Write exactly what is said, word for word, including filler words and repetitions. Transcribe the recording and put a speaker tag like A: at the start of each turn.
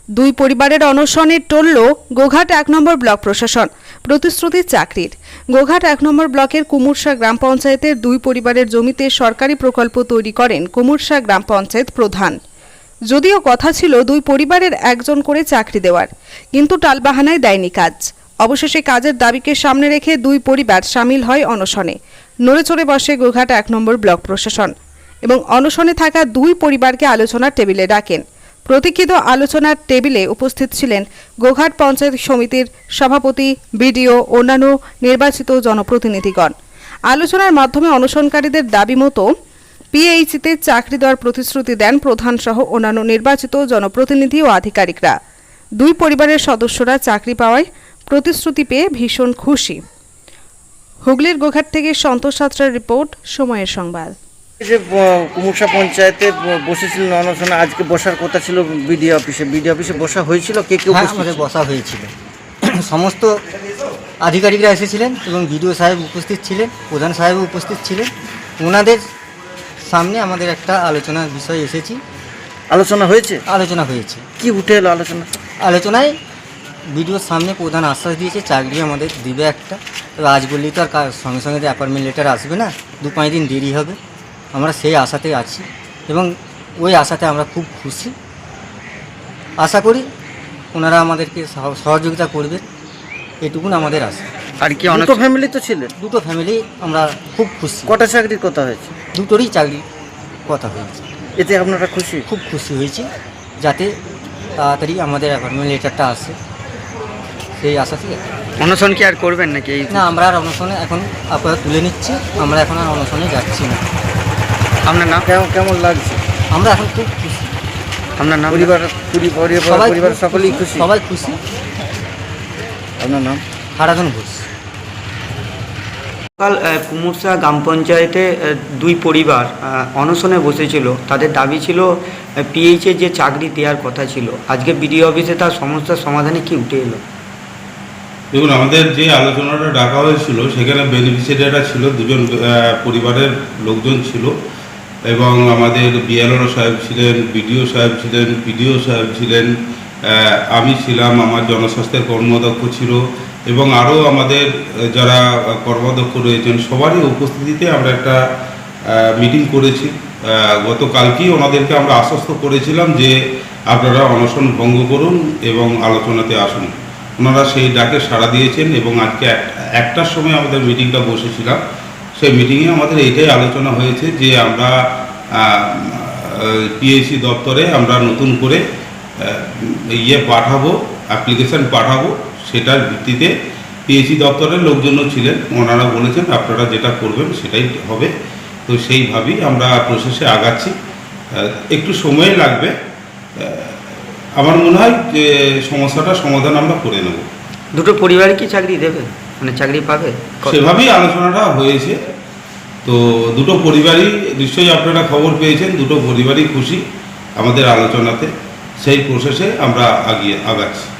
A: দুই পরিবারের অনশনে টলল গোঘাট এক নম্বর ব্লক প্রশাসন। প্রতিশ্রুতি চাকরির। গোঘাট এক নম্বর ব্লকের কুমুরশা গ্রাম পঞ্চায়েতের দুই পরিবারের জমিতে সরকারি প্রকল্প তৈরি করেন কুমুরশা গ্রাম পঞ্চায়েত প্রধান। যদিও কথা ছিল দুই পরিবারের একজন করে চাকরি দেওয়ার, কিন্তু টালবাহানায় দেয়নি কাজ। অবশেষে কাজের দাবিকে সামনে রেখে দুই পরিবার সামিল হয় অনশনে। নড়েচড়ে বসে গোঘাট এক নম্বর ব্লক প্রশাসন এবং অনশনে থাকা দুই পরিবারকে আলোচনার টেবিলে ডাকেন। প্রতীক্ষিত আলোচনার টেবিলে উপস্থিত ছিলেন গোঘাট পঞ্চায়েত সমিতির সভাপতি, বিডিও, অন্যান্য নির্বাচিত জনপ্রতিনিধিগণ। আলোচনার মাধ্যমে অনশনকারীদের দাবি মতো পিএইচিতে চাকরি দেওয়ার প্রতিশ্রুতি দেন প্রধান সহ অন্যান্য নির্বাচিত জনপ্রতিনিধি ও আধিকারিকরা। দুই পরিবারের সদস্যরা চাকরি পাওয়ায় প্রতিশ্রুতি পেয়ে ভীষণ খুশি। হুগলির গোঘাট থেকে সন্তোষ সাঁতরার রিপোর্ট, সময়ের সংবাদ।
B: যে কুমুরশা পঞ্চায়েতে বসেছিলেন অনশনে, আজকে বসার কথা ছিল বিডিও অফিসে। বিডিও অফিসে বসা হয়েছিল? কে কে
C: হ্যাঁ, আমাদের বসা হয়েছিল। সমস্ত আধিকারিকরা এসেছিলেন এবং বিডিও সাহেব উপস্থিত ছিলেন, প্রধান সাহেব উপস্থিত ছিলেন। ওনাদের সামনে আমাদের একটা আলোচনার বিষয় এসেছি।
B: আলোচনা হয়েছে?
C: আলোচনা হয়েছে।
B: কি উঠে এলো আলোচনা?
C: আলোচনায় বিডিওর সামনে প্রধান আশ্বাস দিয়েছে চাকরি আমাদের দিবে একটা। তবে আজ বললেই তো আর সঙ্গে সঙ্গে অ্যাপয়েন্টমেন্ট লেটার আসবে না, দু পাঁচ দিন দেরি হবে। আমরা সেই আশাতে আছি এবং ওই আশাতে আমরা খুব খুশি। আশা করি ওনারা আমাদেরকে সহযোগিতা করবে, এটুকুন আমাদের আশা।
B: আর কি অনেক ফ্যামিলি তো ছিলেন?
C: দুটো ফ্যামিলি আমরা খুব খুশি।
B: কটা চাকরির কথা হয়েছে?
C: দুটোরই চাকরি কথা হয়েছে।
B: এতে আপনারা খুশি?
C: খুব খুশি হয়েছি, যাতে তাড়াতাড়ি আমাদের অ্যাপয়েন্টমেন্ট লেটারটা আসে, সেই আশা থেকে।
D: অনশন কি আর করবেন নাকি?
C: না, আমরা আর অনশনে এখন আপাতত তুলে নিচ্ছি, আমরা এখন আর অনশনে যাচ্ছি না।
D: আপনার নাম?
B: কেমন কেমন লাগছে?
C: আমরা এখন খুব খুশি।
D: আপনার নাম?
B: পরিবার পরিবার পরিবার সকলেই খুশি?
C: সবাই খুশি।
B: আপনার নাম?
C: হারাধন ঘোষ।
D: কাল কুমুরশা গ্রাম পঞ্চায়েতে দুই পরিবার অনশনে বসেছিল। তাদের দাবি ছিল পিএইচে যে চাকরি দেওয়ার কথা ছিল। আজকে বিডিও অফিসে তার সমস্যার সমাধানে কি উঠে এলো?
E: দেখুন, আমাদের যে আলোচনাটা ডাকা হয়েছিল সেখানে বেনিফিশিয়ারিরা ছিল, দুজন পরিবারের লোকজন ছিল এবং আমাদের বিএলও সাহেব ছিলেন, বিডিও সাহেব ছিলেন, পিডিও সাহেব ছিলেন, আমি ছিলাম, আমার জনস্বাস্থ্যের কর্মদক্ষ ছিল এবং আরও আমাদের যারা কর্মদক্ষ রয়েছেন সবারই উপস্থিতিতে আমরা একটা মিটিং করেছি। গতকালকেই ওনাদেরকে আমরা আশ্বস্ত করেছিলাম যে আপনারা অনশন ভঙ্গ করুন এবং আলোচনাতে আসুন। ওনারা সেই ডাকে সাড়া দিয়েছেন এবং আজকে একটার সময় আমাদের মিটিংটা বসেছিলাম। সেই মিটিংয়ে আমাদের এইটাই আলোচনা হয়েছে যে আমরা পিএইচি দপ্তরে আমরা নতুন করে ইয়ে পাঠাবো, অ্যাপ্লিকেশান পাঠাবো। সেটার ভিত্তিতে পিএইচি দপ্তরের লোকজনও ছিলেন, ওনারা বলেছেন আপনারা যেটা করবেন সেটাই হবে। তো সেইভাবেই আমরা প্রসেসে আগাচ্ছি। একটু সময় লাগবে, আমার মনে হয় যে সমস্যাটা সমাধান আমরা করে নেব।
D: দুটো পরিবারে কি চাকরি দেবে, মানে চাকরি পাবে?
E: সেভাবেই আলোচনাটা হয়েছে। তো দুটো পরিবারই নিশ্চয়ই আপনারা খবর পেয়েছেন, দুটো পরিবারই খুশি আমাদের আলোচনাতে। সেই প্রসেসে আমরা আগিয়ে আগাচ্ছি।